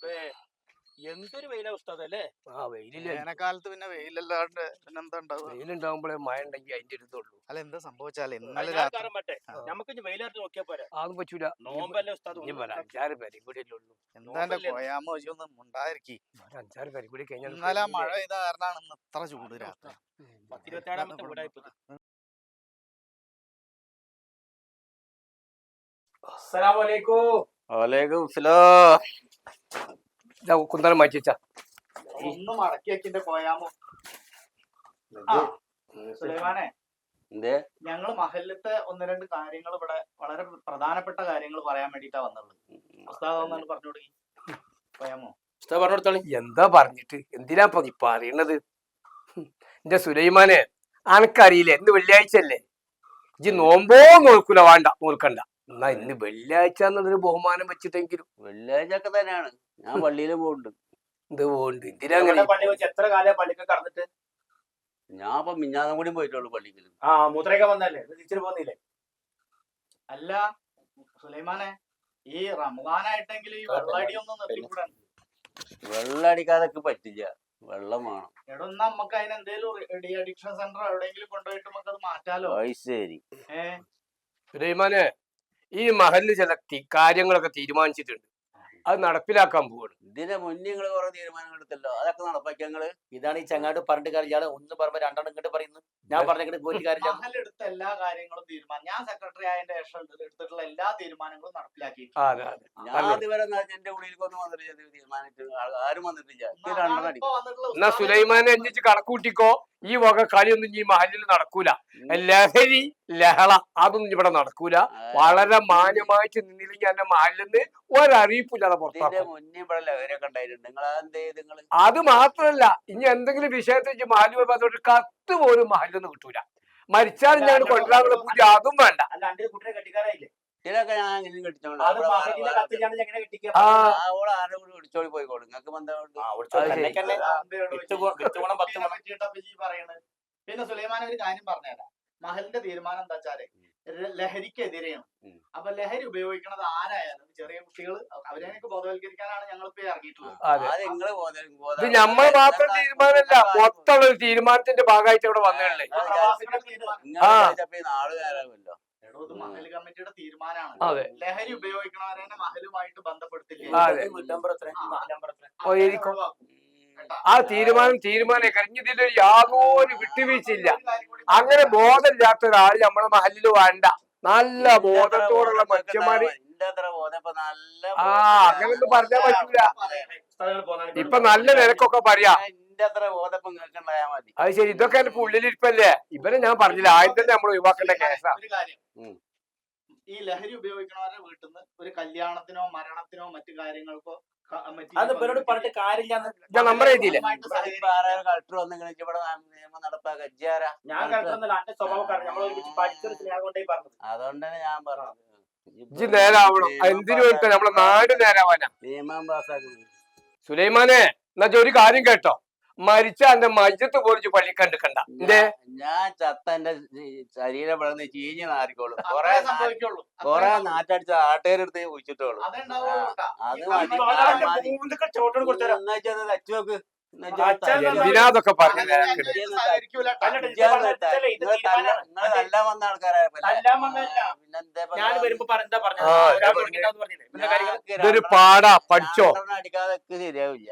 എന്തൊരു വെയിലാ ഉസ്താദല്ലേ? വെയിലില്ല. വേനൽക്കാലത്ത് പിന്നെ വെയിലല്ലാണ്ട് പിന്നെന്താ ഉണ്ടാവുക? വെയിലുണ്ടാവുമ്പോഴേ മഴ ഉണ്ടെങ്കിൽ അതിന്റെ അടുത്തുള്ളൂ. അല്ല എന്താ സംഭവിച്ചാലേ ഇന്നലെ ഞാൻ രാത്രി കാരണം പറ്റേ നമുക്ക് ഇനി വെയിലായിട്ട് നോക്കിയാ പോരെ? അതൊന്നും പറ്റൂല. നോമ്പല്ലേ ഉസ്താദ്? ഇനി വരാം 5-6 പേരും കൂടി അല്ലേ ഉള്ളൂ. എന്താ എന്റെ കൊയാമ ഒന്നും ഉണ്ടായിരിക്കും. 5-6 പേരും കൂടി കഴിഞ്ഞാൽ ഇന്നലെ മഴ പെയ്ത കാരണമാണ് ഇന്ന് ഇത്ര ചൂട് രാത്രി. 27ാമത്തെ വീടായിപ്പോ. അസ്സലാമലൈക്കും. വലൈക്കും സലാം. കുന്തളം മാറ്റിച്ചാ ഒന്ന് മടക്കി വെക്കിന്റെ കൊയാമോ. സുലൈമാനെ, ഞങ്ങള് മഹല്ലത്തെ 1-2 കാര്യങ്ങൾ ഇവിടെ വളരെ പ്രധാനപ്പെട്ട കാര്യങ്ങൾ പറയാൻ വേണ്ടിട്ടാ വന്നുള്ളത്. ഉസ്താദ് പറഞ്ഞു കൊടുക്കി കൊയാമോ. ഉസ്താദ് പറഞ്ഞു കൊടുത്തോളി. എന്താ പറഞ്ഞിട്ട് എന്തിനാ പറയണത്? എന്റെ സുലൈമാനെ, അനക്കറിയില്ലേ ഇന്ന് വെള്ളിയാഴ്ച അല്ലേ? ഇജ്ജ് നോമ്പോ നോക്കൂല, വേണ്ട നോക്കണ്ട. എന്നാ ഇന്ന് വെള്ളിയാഴ്ച എന്നുള്ളൊരു ബഹുമാനം വെച്ചിട്ടെങ്കിലും. വെള്ളിയാഴ്ച ഒക്കെ തന്നെയാണ് ഞാൻ പള്ളിയിൽ പോകുന്നുണ്ട്. ഇത് പോകുന്നുണ്ട്. എന്തിനാ അങ്ങനെ? പള്ളി വെച്ച് എത്ര കാലം പള്ളിക്ക് കടന്നിട്ട്? ഞാൻ ഇപ്പൊ മിഞ്ഞാന്നും കൂടി പോയിട്ടുള്ളൂ പള്ളിക്ക്. മൂത്രയൊക്കെ വന്നല്ലേ തിരിച്ചു പോന്നില്ലേ? അല്ല സുലൈമാനെ, ഈ റമദാനായിട്ടെങ്കിലും ഈ വെള്ളടി ഒന്നും നിർത്തിക്കൂടാ. വെള്ളം അടിക്കാതൊക്കെ പറ്റില്ല, വെള്ളം വേണം. എടോ നമുക്ക് അതിന് എന്തേലും ഡി അഡിക്ഷൻ സെന്റർ എവിടെയെങ്കിലും കൊണ്ടുപോയിട്ട് നമുക്ക് അത് മാറ്റാലോ. ശരി സുലൈമാനെ, ഈ മഹല്ല് ചില കാര്യങ്ങളൊക്കെ തീരുമാനിച്ചിട്ടുണ്ട്. അത് നടപ്പിലാക്കാൻ പോവാണ്. ഇതിന്റെ മുന്നേ നിങ്ങള് കുറെ തീരുമാനങ്ങൾ എടുത്തല്ലോ, അതൊക്കെ നടപ്പാക്കി ഞങ്ങള്. ഇതാണ് ഈ ചങ്ങാട് പറഞ്ഞിട്ട് കാര്യം. ഇയാള് ഒന്ന് പറയുമ്പോ രണ്ടെണ്ണം ഇങ്ങോട്ട് പറയുന്നു. ഞാൻ പറഞ്ഞ പോയിട്ട് കാര്യം. മഹലെടുത്ത എല്ലാ കാര്യങ്ങളും തീരുമാനം, ഞാൻ സെക്രട്ടറി ആയതിന്റെ ശേഷം എടുത്തിട്ടുള്ള എല്ലാ തീരുമാനങ്ങളും നടപ്പിലാക്കി. ഞാൻ ഇതുവരെ എന്റെ ഉള്ളിലേക്കൊന്നും വന്നിട്ടില്ല, തീരുമാനിച്ചു ആരും വന്നിട്ടില്ല. എന്നാ സുലൈമാനെ അന്വേഷിച്ച് കണക്കൂട്ടിക്കോ. ഈ വക കളിയൊന്നും ഈ മഹലിൽ നടക്കൂല. ലഹരി ലഹള അതൊന്നും ഇവിടെ നടക്കൂല. വളരെ മാന്യമായിട്ട് നിന്നില്ലെങ്കിൽ എന്റെ മഹലിൽ നിന്ന് ഒരറിയിപ്പില്ലാതെ പുറത്താക്കും. അത് മാത്രല്ല, ഇനി എന്തെങ്കിലും വിഷയത്തിൽ മഹല് ഒരു കത്ത് പോലും മഹലിൽ നിന്ന് കിട്ടൂല. മരിച്ചാൽ ഞാൻ കൊണ്ടുവരാനുള്ള പൂജ അതും വേണ്ട. ഇതിലൊക്കെ ഞാൻ കെട്ടിച്ചോളി പോയിക്കോളും. നിങ്ങൾക്ക് പിന്നെ സുലൈമാൻ ഒരു കാര്യം പറഞ്ഞുതരാം. മഹലിന്റെ തീരുമാനം എന്താ വെച്ചാല് ലഹരിക്കെതിരെയാണ്. അപ്പൊ ലഹരി ഉപയോഗിക്കുന്നത് ആരായാലും ചെറിയ കുട്ടികൾ, അവരെയൊക്കെ ബോധവൽക്കരിക്കാനാണ് ഞങ്ങൾ ഇപ്പൊ ഇറങ്ങിയിട്ടുള്ളത്. ഇത് നമ്മൾ മാത്രം തീരുമാനമല്ല, മൊത്തമുള്ള ഒരു തീരുമാനത്തിന്റെ ഭാഗമായിട്ട് ഇവിടെ വന്നതല്ലേ. മഹൽ കമ്മിറ്റിയുടെ തീരുമാനമാണ്. ലഹരി ഉപയോഗിക്കണവരെ മഹലുമായിട്ട് ബന്ധപ്പെടുത്തില്ല. ആ തീരുമാനം കഴിഞ്ഞതിൽ യാതൊരു വിട്ടുവീഴ്ചയില്ല. അങ്ങനെ ബോധമില്ലാത്ത ഒരാൾ നമ്മളെ മഹലിൽ വേണ്ട. നല്ല ബോധത്തോടുള്ള മനുഷ്യന്മാര്. അങ്ങനൊന്നും പറഞ്ഞാൽ പറ്റൂല. ഇപ്പൊ നല്ല നിരക്കൊക്കെ പറയാ. അത് ശരി, ഇതൊക്കെ എന്റെ ഉള്ളിലിരിപ്പല്ലേ. ഇവരെ ഞാൻ പറഞ്ഞില്ല, ആദ്യം തന്നെ നമ്മൾ ഒഴിവാക്കേണ്ട കേസാ. ഈ ലഹരി ഉപയോഗിക്കണവരുടെ വീട്ടിൽ നിന്ന് ഒരു കല്യാണത്തിനോ മരണത്തിനോ മറ്റു കാര്യങ്ങൾക്കോ പറഞ്ഞിട്ട് കാര്യമില്ല. നമ്മുടെ രീതിയില് അതുകൊണ്ടാണ് ഞാൻ പറഞ്ഞത് ഇജ്ജ് നേരാവണം. എന്തിനു വേണ്ടി നമ്മളെ നാട് നേരാവാനാ. നിയമം പാസ്സാക്കുന്നത്. സുലൈമാനെ, എന്നാ ഒരു കാര്യം കേട്ടോ, മരിച്ച എന്റെ മജ്ജത്ത് പോലിച്ച് പള്ളി കണ്ടിക്കണ്ട. ഞാൻ ചത്ത എന്റെ ശരീരം വളർന്ന് ചീഞ്ഞ് നാറിക്കോളും. കൊറേ നാറ്റടിച്ച ആട്ടേരെടുത്ത് കുഴിച്ചിട്ടോളൂ. അത് വെച്ചോക്ക്. എന്തിനാതൊക്കെ പറഞ്ഞു. നല്ല വന്ന ആൾക്കാരായപ്പോ ഇതൊരു പാടാ, പഠിച്ചോ. അടിക്കാതൊക്കെ ശരിയാവില്ല.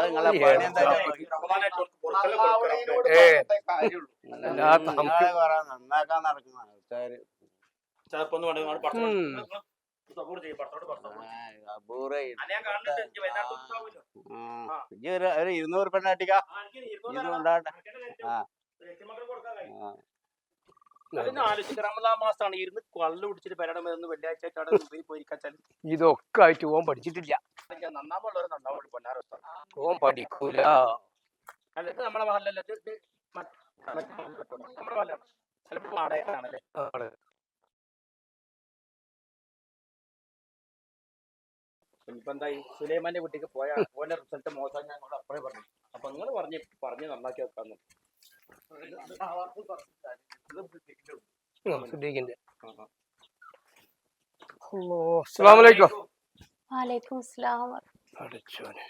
നന്നാക്കാൻ നടക്കുന്ന ആൾക്കാര് ഒരു 200 പെണ്ണ അടിക്കാ. റമദാൻ മാസമാണ് ഇരുന്ന് കള്ളു കുടിച്ചിട്ട് പെരടമെന്ന് വെള്ളിയാഴ്ച ഇതൊക്കെ ആയിട്ട് ഓൻ പഠിച്ചിട്ടില്ല. നന്നാമുള്ളവർ നന്നാവുള്ളൂ. പൊന്നാരസ്ഥ ഓൻ പഠിക്കൂല. അല്ല നമ്മളെ മഹല്ലല്ലേ, നമ്മുടെ മഹലാണ്. ചിലപ്പോ വാടകയാണല്ലേ. ഇനിയിപ്പോ എന്തായി, സുലൈമാന്റെ വീട്ടിലേക്ക് പോയാൽ ഓന്റെ റിസൾട്ട് മോശം ഞങ്ങളോട് അപ്പോഴേ പറഞ്ഞു. അപ്പൊ നിങ്ങൾ പറഞ്ഞ് നന്നാക്കി വെക്കാന്ന്. അസ്സലാമു അലൈക്കും. വലൈക്കും അസ്സലാം. പഠിച്ചോനെ.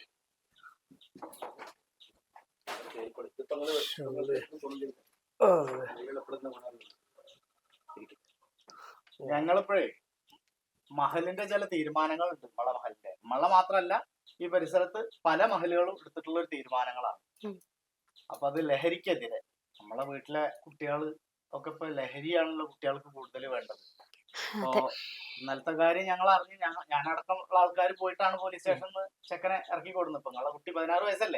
ഞങ്ങളിപ്പോഴേ മഹലിന്റെ ചില തീരുമാനങ്ങളുണ്ട്. നമ്മളെ മാത്രല്ല ഈ പരിസരത്ത് പല മഹലുകളും എടുത്തിട്ടുള്ള ഒരു തീരുമാനങ്ങളാണ്. അപ്പൊ അത് ലഹരിക്കെതിരെ നമ്മളെ വീട്ടിലെ കുട്ടികൾ ഒക്കെ ഇപ്പൊ ലഹരിയാണല്ലോ കുട്ടികൾക്ക് കൂടുതൽ വേണ്ടത്. അപ്പൊ ഇന്നലത്തെ കാര്യം ഞങ്ങൾ അറിഞ്ഞ് ഞാനടക്കമുള്ള ആൾക്കാർ പോയിട്ടാണ് പോലീസ് സ്റ്റേഷനിൽ ചെക്കനെ ഇറക്കി കൊടുക്കുന്നത്. ഇപ്പൊ നിങ്ങളെ കുട്ടി 16 വയസ്സല്ലേ?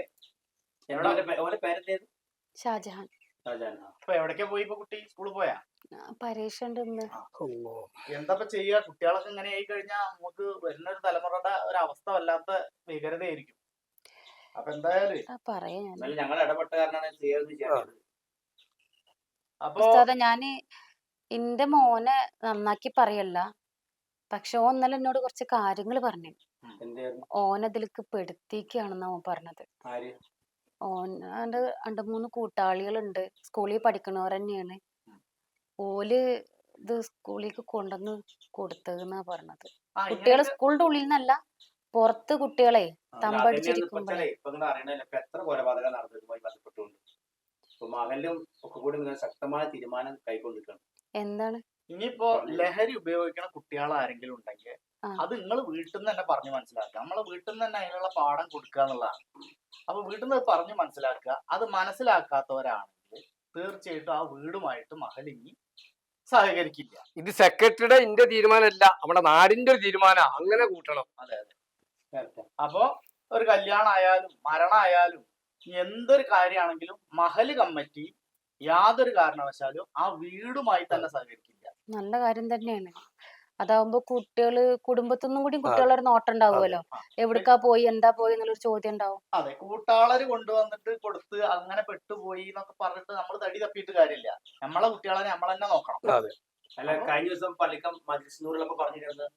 ഷാജഹാൻ. അപ്പൊ എവിടേക്കാ പോയി ഇപ്പൊ കുട്ടി? സ്കൂളിൽ പോയാ? പരീക്ഷ ഉണ്ട് ഇന്ന്. എന്താ ചെയ്യാ? കുട്ടികളൊക്കെ ഇങ്ങനെ ആയി കഴിഞ്ഞാൽ നമുക്ക് വരുന്ന ഒരു തലമുറയുടെ ഒരു അവസ്ഥ വല്ലാത്ത ഭീകരതയായിരിക്കും. അപ്പൊ എന്തായാലും പറയാ ഞങ്ങൾ ഇടപെട്ട കാരണമാണ്. അപ്പൊ ഞാന് എന്റെ മോനെ നന്നാക്കി പറയല്ല, പക്ഷെ ഓൻ ഇന്നലെ എന്നോട് കുറച്ച് കാര്യങ്ങൾ പറഞ്ഞു. ഓനതിലേക്ക് പെടുത്തിക്കാണെന്നാ ഓൻ പറഞ്ഞത്. ഓൻ്റെ 2-3 കൂട്ടാളികളുണ്ട്, സ്കൂളിൽ പഠിക്കണവർ തന്നെയാണ്. ഓല് ഇത് സ്കൂളിലേക്ക് കൊണ്ടുവന്ന് കൊടുത്തതെന്നാ പറഞ്ഞത്. കുട്ടികളെ സ്കൂളിന്റെ ഉള്ളിൽ നിന്നല്ല, പുറത്ത് കുട്ടികളെ തമ്പടിച്ചിരിക്കുമ്പോഴേ. എത്ര കൊലപാതകം നടന്നതുമായി ബന്ധപ്പെട്ടുകൊണ്ട് മകനിലും ഒക്കെ കൂടി ശക്തമായ തീരുമാനം കൈക്കൊണ്ടിരിക്കണം. എന്താണ്? ഇനിയിപ്പോ ലഹരി ഉപയോഗിക്കുന്ന കുട്ടികൾ ആരെങ്കിലും ഉണ്ടെങ്കിൽ അത് നിങ്ങൾ വീട്ടിൽ നിന്ന് തന്നെ പറഞ്ഞു മനസ്സിലാക്കുക. നമ്മളെ വീട്ടിൽ നിന്ന് തന്നെ അതിനുള്ള പാഠം കൊടുക്കുക എന്നുള്ളതാണ്. അപ്പൊ വീട്ടിൽ നിന്ന് പറഞ്ഞു മനസ്സിലാക്കുക. അത് മനസ്സിലാക്കാത്തവരാണെങ്കിൽ തീർച്ചയായിട്ടും ആ വീടുമായിട്ട് മഹലിനി സഹകരിക്കില്ല. ഇത് സെക്രട്ടറിയുടെ ഇന്റെ തീരുമാനമല്ല, നമ്മുടെ നാടിന്റെ ഒരു തീരുമാനം. അങ്ങനെ കൂട്ടണം. അതെ. അപ്പൊ ഒരു കല്യാണം ആയാലും മരണമായാലും എന്തൊരു കാര്യമാണെങ്കിലും മഹല് കമ്മിറ്റി യാതൊരു കാരണവശാലും ആ വീടുമായി തന്നെ സഹകരിക്കില്ല. നല്ല കാര്യം തന്നെയാണ്. അതാവുമ്പോ കുട്ടികള് കുടുംബത്തിനും കൂടി കുട്ടികളൊരു നോട്ടം ഉണ്ടാവുമല്ലോ. എവിടക്കാ പോയി, എന്താ പോയി എന്നുള്ളൊരു ചോദ്യം ഉണ്ടാവും. അതെ, കൂട്ടാളര് കൊണ്ടുവന്നിട്ട് കൊടുത്ത് അങ്ങനെ പെട്ടുപോയി എന്നൊക്കെ പറഞ്ഞിട്ട് നമ്മൾ തടി തപ്പിയിട്ട് കാര്യമില്ല. നമ്മളെ കുട്ടികളെ നമ്മൾ തന്നെ നോക്കണം. അല്ല, കഴിഞ്ഞ ദിവസം പള്ളിക്കം മജിസ്നൂറിലൊക്കെ പറഞ്ഞിരുന്നത്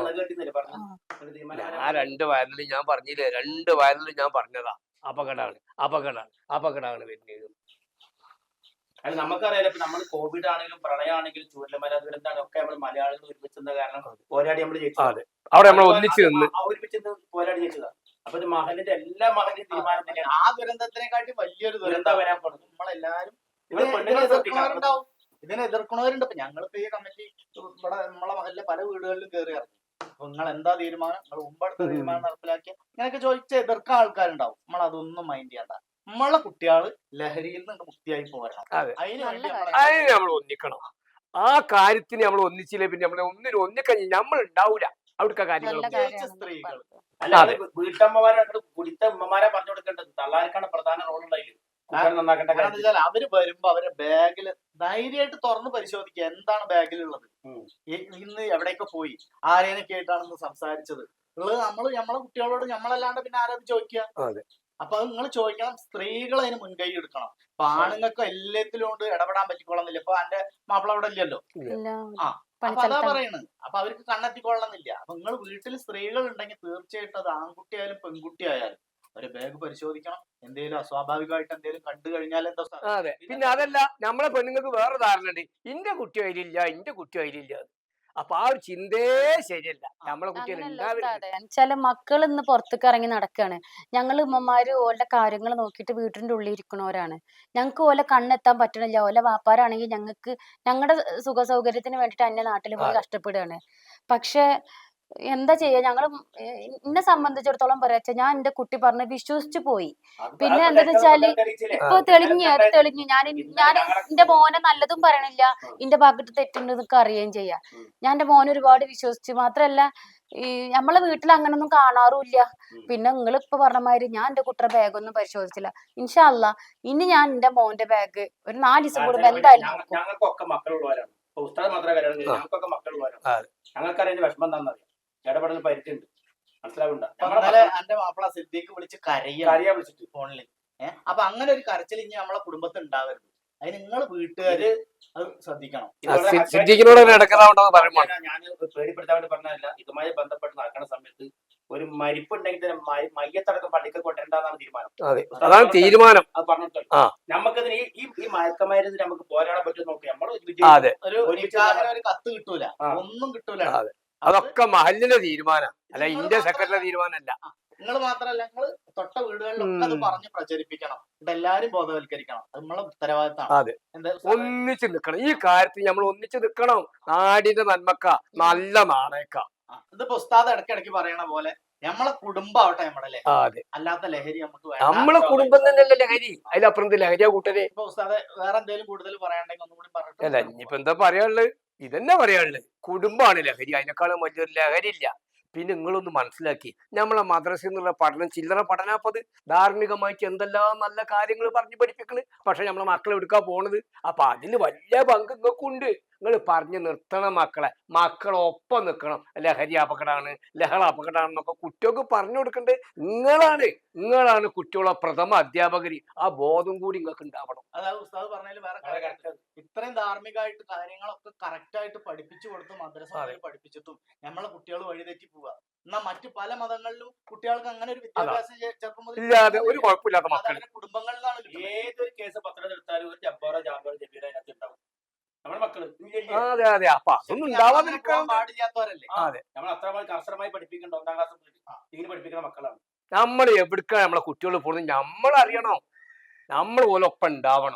ഞാൻ 2 വയലിൽ ഞാൻ പറഞ്ഞില്ലേ, 2 വയലിൽ ഞാൻ പറഞ്ഞതാ. അപകടമാണ് വരുന്നത്. അത് നമുക്കറിയാലോ. ഇപ്പൊ നമ്മൾ കോവിഡ് ആണെങ്കിലും പ്രളയമാണെങ്കിലും ചൂരൽമല ദുരന്താണ് ഒക്കെ നമ്മൾ മലയാളികൾ ഒരുമിച്ചെന്ന കാരണം പോരാടി നമ്മൾ ജയിച്ചു. അവിടെ നമ്മൾ ഒരുമിച്ച് പോരാടി ജയിച്ചതാ. അപ്പൊ ഇത് മഹലിന്റെ എല്ലാ മഹലിന്റെ തീരുമാനം തന്നെയാണ്. ആ ദുരന്തത്തിനെക്കാട്ടി വലിയൊരു ദുരന്തം വരാൻ പോകുന്നത്. നമ്മളെല്ലാരും ഇതിനെ എതിർക്കണവരുണ്ട്. ഇപ്പൊ ഞങ്ങളിപ്പോ ഈ കമ്മിറ്റി ഇവിടെ നമ്മളെ മഹലിലെ പല വീടുകളിലും കയറി ഇറങ്ങി. അപ്പൊ നിങ്ങൾ എന്താ തീരുമാനം, നിങ്ങൾ മുമ്പെടുത്ത തീരുമാനം നടപ്പിലാക്കിയ ഇങ്ങനെയൊക്കെ ചോദിച്ച എതിർക്കാൻ ആൾക്കാരുണ്ടാവും. നമ്മൾ അതൊന്നും മൈൻഡ് ചെയ്യണ്ട. നമ്മളെ കുട്ടികള് ലഹരിയിൽ നിന്ന് മുക്തിയായി പോരണം. അതിന് നമ്മൾ ഒന്നിക്കണം. ആ കാര്യത്തിന് നമ്മൾ ഒന്നിച്ചില്ലേ പിന്നെ നമ്മളെ ഒന്നിക്കഴിഞ്ഞ് നമ്മൾ ഉണ്ടാവൂല. അവിടുത്തെ കാര്യങ്ങൾ സ്ത്രീകൾ അല്ല, വീട്ടമ്മമാരെ കുടിത്ത ഉമ്മമാരെ പറഞ്ഞു കൊടുക്കേണ്ടത്. തള്ളാർക്കാണ് പ്രധാന റോൾ ഉണ്ടായില്ല. അവര് വരുമ്പോ അവരെ ബാഗില് ധൈര്യമായിട്ട് തുറന്ന് പരിശോധിക്കുക എന്താണ് ബാഗിലുള്ളത്, ഇന്ന് എവിടെയൊക്കെ പോയി, ആരേനൊക്കെ ആയിട്ടാണെന്ന് സംസാരിച്ചത് ഉള്ളത്. നമ്മളെ കുട്ടികളോട് നമ്മളല്ലാണ്ട് പിന്നെ ആരാത് ചോദിക്കുക? അപ്പൊ അത് നിങ്ങൾ ചോദിക്കണം. സ്ത്രീകൾ അതിന് മുൻകൈ എടുക്കണം. അപ്പൊ ആണുങ്ങൾക്ക് എല്ലാത്തിലും കൊണ്ട് ഇടപെടാൻ പറ്റിക്കൊള്ളുന്നില്ല. ഇപ്പൊ എന്റെ മാപ്പിള അവിടെ ഇല്ലല്ലോ. അപ്പൊ അതാ പറയുന്നത്. അപ്പൊ അവർക്ക് കണ്ണെത്തിക്കൊള്ളണമെന്നില്ല. അപ്പൊ നിങ്ങൾ വീട്ടിൽ സ്ത്രീകൾ ഉണ്ടെങ്കിൽ തീർച്ചയായിട്ടും അത് ആൺകുട്ടി ആയാലും പെൺകുട്ടി ആയാലും ഒരു ബാഗ് പരിശോധിക്കണം. എന്തെങ്കിലും അസ്വാഭാവികമായിട്ട് എന്തെങ്കിലും കണ്ടു കഴിഞ്ഞാൽ എന്താ? അതെ. പിന്നെ അതല്ല, നമ്മളെ പെണ്ണുങ്ങൾക്ക് വേറെ ധാരണ ഉണ്ട്. ഇന്റെ കുട്ടി അതിലില്ല. അപ്പൊ ആ ഒരു ചിന്തയെ ശരിയല്ല. നമ്മളെ കുട്ടികൾ മക്കൾ ഇന്ന് പുറത്തേക്ക് ഇറങ്ങി നടക്കാണ്. ഞങ്ങൾ ഉമ്മമാര് ഓരുടെ കാര്യങ്ങൾ നോക്കിയിട്ട് വീട്ടിന്റെ ഉള്ളിൽ ഇരിക്കണവരാണ്. ഞങ്ങൾക്ക് ഓലെ കണ്ണെത്താൻ പറ്റണില്ല. ഓലെ വാപ്പാരാണെങ്കിൽ ഞങ്ങളുടെ സുഖ സൗകര്യത്തിന് വേണ്ടിട്ട് അന്യ നാട്ടിൽ പോയി കഷ്ടപ്പെടുകയാണ്. പക്ഷെ എന്താ ചെയ്യാ, ഞങ്ങള് എന്നെ സംബന്ധിച്ചിടത്തോളം പറയാ, ഞാൻ എന്റെ കുട്ടി പറഞ്ഞ് വിശ്വസിച്ചു പോയി. പിന്നെ എന്താന്ന് വെച്ചാല് ഇപ്പൊ തെളിഞ്ഞു ഞാൻ എന്റെ മോനെ നല്ലതും പറയണില്ല, എന്റെ ഭാഗത്ത് തെറ്റുണ്ടെന്നൊക്കെ അറിയുകയും ചെയ്യാം. ഞാൻ എന്റെ മോനെ ഒരുപാട് വിശ്വസിച്ചു. മാത്രല്ല ഈ നമ്മളെ വീട്ടിൽ അങ്ങനൊന്നും കാണാറുമില്ല. പിന്നെ നിങ്ങളിപ്പൊ പറഞ്ഞ മാതിരി ഞാൻ എന്റെ കുട്ടിയുടെ ബാഗൊന്നും പരിശോധിച്ചില്ല. ഇൻഷാ അല്ലാ ഇനി ഞാൻ എന്റെ മോന്റെ ബാഗ് ഒരു 4 ദിവസം കൂടുമ്പോ എന്തായാലും ഞങ്ങൾക്കൊക്കെ മക്കളുള്ളവരാണ്. ഉസ്താദ് മാത്രമേ കാര്യമുള്ളൂ. ഞങ്ങൾക്കൊക്കെ മക്കളുള്ളവരാണ്. ഞങ്ങൾക്കറിയാം വിഷമം എന്താണെന്നറിയാം. ഇടപെടൽ പരിചയമുണ്ട്, മനസ്സിലാവുന്നുണ്ടോ? എന്റെ മാപ്പിള സിദ്ദീഖ് വിളിച്ച് കരയാ വിളിച്ചിട്ട് ഫോണിൽ. അപ്പൊ അങ്ങനെ ഒരു കരച്ചിൽ ഇനി നമ്മളെ കുടുംബത്തിൽ ഉണ്ടാവരുത്. അതിന് നിങ്ങൾ വീട്ടുകാര് അത് ശ്രദ്ധിക്കണം. ഞാൻ പേടിപ്പെടുത്താൻ വേണ്ടി പറഞ്ഞതല്ല. ഇതുമായി ബന്ധപ്പെട്ട് നടക്കുന്ന സമയത്ത് ഒരു മരിപ്പുണ്ടെങ്കിൽ തന്നെ മയ്യത്തടക്കം പള്ളിക്ക് കൊണ്ടുവരണ്ടെന്നാണ് തീരുമാനം. അത് പറഞ്ഞിട്ട് നമുക്കതിന് ഈ മയക്കമരുന്ന് നമുക്ക് പോരാടാൻ പറ്റും നോക്കി. നമ്മൾ ഒരു കത്ത് കിട്ടൂല, ഒന്നും കിട്ടൂല. അതൊക്കെ മഹലിന്റെ തീരുമാനം അല്ല ഇന്റെ സെക്രട്ടറി തീരുമാനമല്ല. നിങ്ങൾ മാത്രല്ല നിങ്ങൾ തൊട്ട വീടുകളിലൊക്കെ അത് പറഞ്ഞ് പ്രചരിപ്പിക്കണം, ഇവിടെ എല്ലാരും ബോധവൽക്കരിക്കണം. അത് നമ്മളെ ഉത്തരവാദിത്തമാണ്. അതെ, ഒന്നിച്ച് നിക്കണം ഈ കാര്യത്തിൽ. നമ്മൾ ഒന്നിച്ച് നിക്കണം. നാടിന്റെ നന്മക്ക, നല്ല നാണയക്ക. ഇതിപ്പോ ഉസ്താദ് ഇടയ്ക്കിടയ്ക്ക് പറയണ പോലെ നമ്മളെ കുടുംബാവട്ടെ നമ്മുടെ ലഹരി, അതെ, അല്ലാത്ത ലഹരി നമുക്ക് വേണ്ട. നമ്മളെ കുടുംബം തന്നെയല്ലേ ലഹരി, അതിലപ്പുറം ലഹരിയാ കൂട്ടരെ. ഇപ്പൊ ഉസ്താദ് വേറെ എന്തെങ്കിലും കൂടുതൽ പറയാണ്ടെങ്കിൽ ഒന്നും കൂടി അല്ല പറഞ്ഞിട്ട് ഇനിയിപ്പോ എന്താ പറയാനുള്ളത്? ഇതന്നെ പറയാനുള്ളത്. കുടുംബമാണ് ലഹരി, അതിനേക്കാളും വലിയൊരു ലഹരി ഇല്ല. പിന്നെ നിങ്ങളൊന്ന് മനസ്സിലാക്കി, നമ്മളെ മദ്രസയിൽ നിന്നുള്ള പഠനം ചില്ലറ പഠനാപ്പത്. ധാർമ്മികമായിട്ട് എന്തെല്ലാം നല്ല കാര്യങ്ങൾ പറഞ്ഞു പഠിപ്പിക്കണ്. പക്ഷെ നമ്മളെ മക്കളെ എടുക്കാൻ പോണത്. അപ്പൊ അതിന് വലിയ പങ്ക് നിങ്ങൾക്കുണ്ട്. നിങ്ങൾ പറഞ്ഞു നിർത്തണം മക്കളെ. മക്കളൊപ്പം നിൽക്കണം. ലഹരി അപകടമാണ്, ലഹള അപകടമാണെന്നൊക്കെ കുട്ടികൾക്ക് പറഞ്ഞു കൊടുക്കണ്ടേ നിങ്ങളാണ് കുട്ടികളെ പ്രഥമ അധ്യാപകര്. ആ ബോധം കൂടി നിങ്ങൾക്ക് ഉണ്ടാവണം. അതായത് ഉസ്താദ് പറഞ്ഞതിൽ വേറെ കാര്യം, ഇത്രയും ധാർമ്മികമായിട്ട് കാര്യങ്ങളൊക്കെ കറക്റ്റ് ആയിട്ട് പഠിപ്പിച്ചു കൊടുത്ത് മദ്രസയിൽ പഠിപ്പിച്ചിട്ടും നമ്മളെ കുട്ടികൾ വഴിതെറ്റി പോവുക. എന്നാ മറ്റു പല മതങ്ങളിലും കുട്ടികൾക്ക് അങ്ങനെ ഒരു വിദ്യാഭ്യാസം ചെറുപ്പം മുതൽ ഇല്ലാതെ ഒരു കുഴപ്പമില്ലാത്ത മക്കൾ. കുടുംബങ്ങളിലാണ് ഏതൊരു കേസ് പത്രം എടുത്താലും ഒരു ജബ്ബാറോ ജാബറോ ജബീറോ അതിനകത്ത് ഉണ്ടാവും. നമ്മുടെ മക്കള് അതെ അതെ, അപ്പൊ അതൊന്നും ഉണ്ടാവാതിരിക്കാൻ പാടില്ലാത്തവരല്ലേ. അതെ, നമ്മൾ അത്രമാതിരി കർശനമായി പഠിപ്പിക്കേണ്ട 1ാം ക്ലാസ് ഇങ്ങനെ പഠിപ്പിക്കുന്ന മക്കളാണ്. നമ്മൾ എവിടുക്കാണ് നമ്മളെ കുട്ടികൾ പോകുന്നത് നമ്മൾ അറിയണം. നമ്മൾ ഓലൊപ്പം ഉണ്ടാവണം.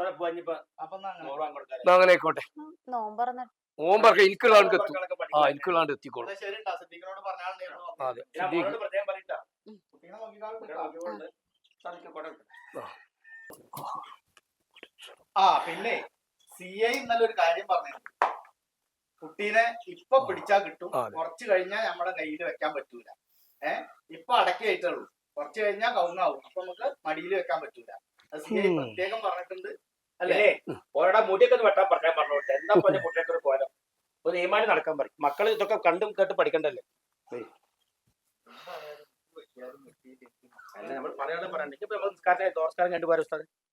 അങ്ങനെ ആയിക്കോട്ടെ. നോമ്പറക്കെ എനിക്കുള്ളാണ്ട് എത്തും. എനിക്കുള്ളാണ്ട് എത്തിക്കോളും. ശരി ട്ടോ, സിദ്ദീഖിനോട് പറഞ്ഞാലുണ്ടായിരുന്നു. അതെ, കുട്ടീനെ നോക്കിക്കാളും. ആ പിന്നെ CI ഇന്നലെ ഒരു കാര്യം പറഞ്ഞു. കുട്ടീനെ ഇപ്പൊ പിടിച്ചാ കിട്ടും, കുറച്ച് കഴിഞ്ഞാൽ നമ്മുടെ കയ്യിൽ വെക്കാൻ പറ്റൂല. ഇപ്പൊ അടക്കി ആയിട്ടുള്ളൂ, കുറച്ച് കഴിഞ്ഞാൽ കവുങ്ങാവും. അപ്പൊ നമുക്ക് മടിയിൽ വെക്കാൻ പറ്റൂല. അത് CI പ്രത്യേകം പറഞ്ഞിട്ടുണ്ട് അല്ലേ? ഓരോ മുടിയൊക്കെ വെട്ടാൻ പറഞ്ഞോട്ടെ. എന്താ പോലെ മുടിയൊക്കെ ഒരു കോലം ഒരു ഈമാനി നടക്കാൻ പറയും. മക്കൾ ഇതൊക്കെ കണ്ടും കേട്ട് പഠിക്കണ്ടല്ലേ. നമ്മൾ പറയാതെ പറയണ്ടെങ്കിൽ നമ്മൾ നിസ്കാരം കണ്ടുപോരാ ഉസ്താദ്.